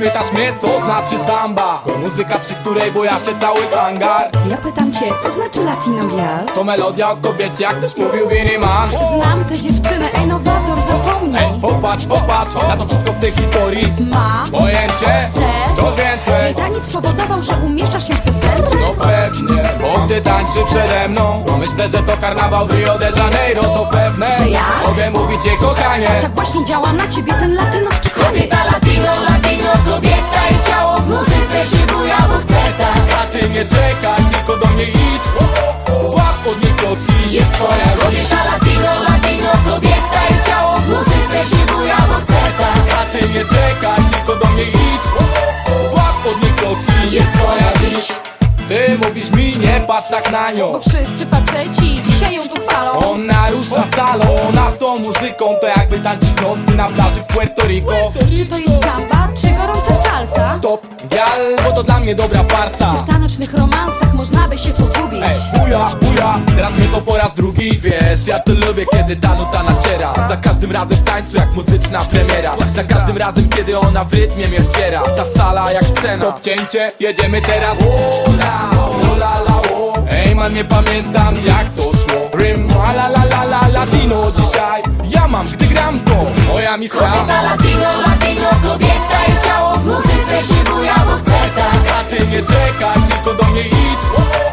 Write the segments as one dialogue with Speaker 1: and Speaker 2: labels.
Speaker 1: pytasz mnie, co znaczy samba? To muzyka, przy której boja się cały hangar.
Speaker 2: Ja pytam cię, co znaczy Latino Bial?
Speaker 1: To melodia o kobiecie, jak też mówił Billy Man.
Speaker 2: Znam tę dziewczynę, ej nowator, zapomnij.
Speaker 1: Ej, popatrz, popatrz na to wszystko w tej historii.
Speaker 2: Ma,
Speaker 1: Pojęcie,
Speaker 2: chcesz?
Speaker 1: to więcej.
Speaker 2: Jej taniec spowodował, że umieszczasz się w piosence?
Speaker 1: No pewnie, bo gdy tańczy przede mną, to myślę, że to karnawał w Rio de Janeiro. To pewne,
Speaker 2: Że ja?
Speaker 1: mogę mówić jej kochanie.
Speaker 2: Tak właśnie działa na ciebie ten latynoski kobiet.
Speaker 3: Kobieta latino, latino, kobieta i ciało w muzyce się buja, bo chce tak.
Speaker 1: A ty nie czekaj, tylko do mnie idź. Złap od niej kroki,
Speaker 3: Jest twoja kobieta latino, latino, kobieta i ciało w muzyce się buja, bo chce tak.
Speaker 1: a ty nie czekaj, tylko do mnie idź. Złap od niej kroki,
Speaker 3: Jest twoja dziś.
Speaker 1: ty mówisz mi, nie patrz tak na nią.
Speaker 2: Bo wszyscy faceci dzisiaj ją tu chwalą.
Speaker 1: Ona rusza salą, ona z tą muzyką to jakby tańczyć nocy na plaży w Puerto Rico.
Speaker 2: Czy to jest samba, czy gorąca salsa?
Speaker 1: Stop, gal, bo to dla mnie dobra farsa.
Speaker 2: W tanecznych romansach można by się pogubić.
Speaker 1: Ej, buja, buja, teraz mnie to po raz drugi. Wiesz, ja to lubię, kiedy ta nuta naciera. Za każdym razem w tańcu jak muzyczna premiera. Za każdym razem, kiedy ona w rytmie mnie wspiera. Ta sala jak scena. Stop, cięcie, jedziemy teraz. Ola, ola, la, o. Ej man, nie pamiętam jak to szło. Rym, la la la la, latino dzisiaj. Ja mam, gdy gram to moja misja.
Speaker 3: Kobieta latino, latino, kobieta i ciało w muzyce się buja, bo chce tak.
Speaker 1: A ty nie czekaj, tylko do mnie idź.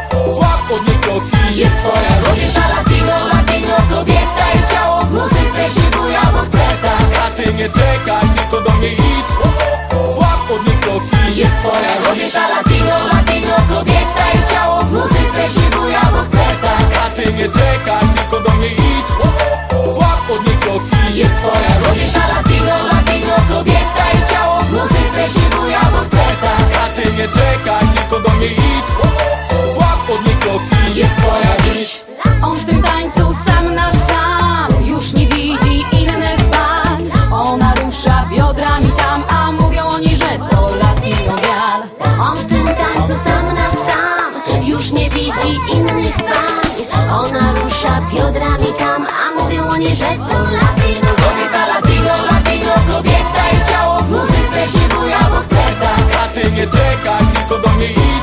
Speaker 1: Złap od niej kroki.
Speaker 3: Jest twoja kobieta latino, latino, kobieta i ciało w muzyce się buja, bo chce tak.
Speaker 1: A ty nie czekaj, tylko do mnie idź. Złap od niej kroki.
Speaker 3: Jest twoja kobieta latino, latino, kobieta i ciało w muzyce się buja, bo chce tak.
Speaker 1: A ty nie czekaj, tylko do mnie idź. Złap od niej kroki.
Speaker 3: Jest twoja kobieta latino, latino, kobieta i ciało w muzyce się buja, bo chce tak.
Speaker 1: A ty nie czekaj, tylko do mnie idź. Złap od niej kroki.
Speaker 3: Jest twoja dziś.
Speaker 2: On w tym tańcu sam na sam już nie widzi innych pań. Ona rusza biodrami tam, a mówią oni, że to Latino Bial.
Speaker 4: On w tym tańcu sam na sam już nie widzi innych pań. Ona rusza biodrami tam, a mówią oni, że to Latino.
Speaker 3: Kobieta latino, latino, kobieta i ciało w muzyce się buja, bo chce tak.
Speaker 1: A ty nie czekaj, tylko do mnie idź.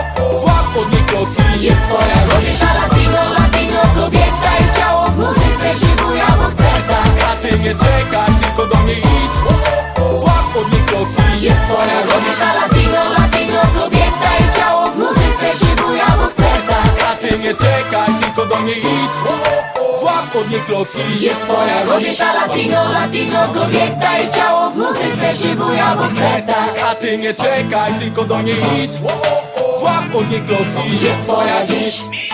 Speaker 1: Złap od niej kroki.
Speaker 3: Jest twoja kobieta latino, latino, kobieta i ciało w muzyce się buja, bo chce tak.
Speaker 1: A ty nie czekaj, tylko do mnie idź. Złap od niej kroki.
Speaker 3: Jest twoja kobieta latino, latino, kobieta i ciało w muzyce się buja, bo chce tak.
Speaker 1: A ty nie czekaj, tylko do mnie idź. Złap od niej kroki.
Speaker 3: Jest twoja kobieta latino, latino, kobieta i ciało w muzyce się buja, bo chce tak.
Speaker 1: A ty nie czekaj, tylko do mnie idź. Złap od niej kroki.
Speaker 3: Jest twoja dziś.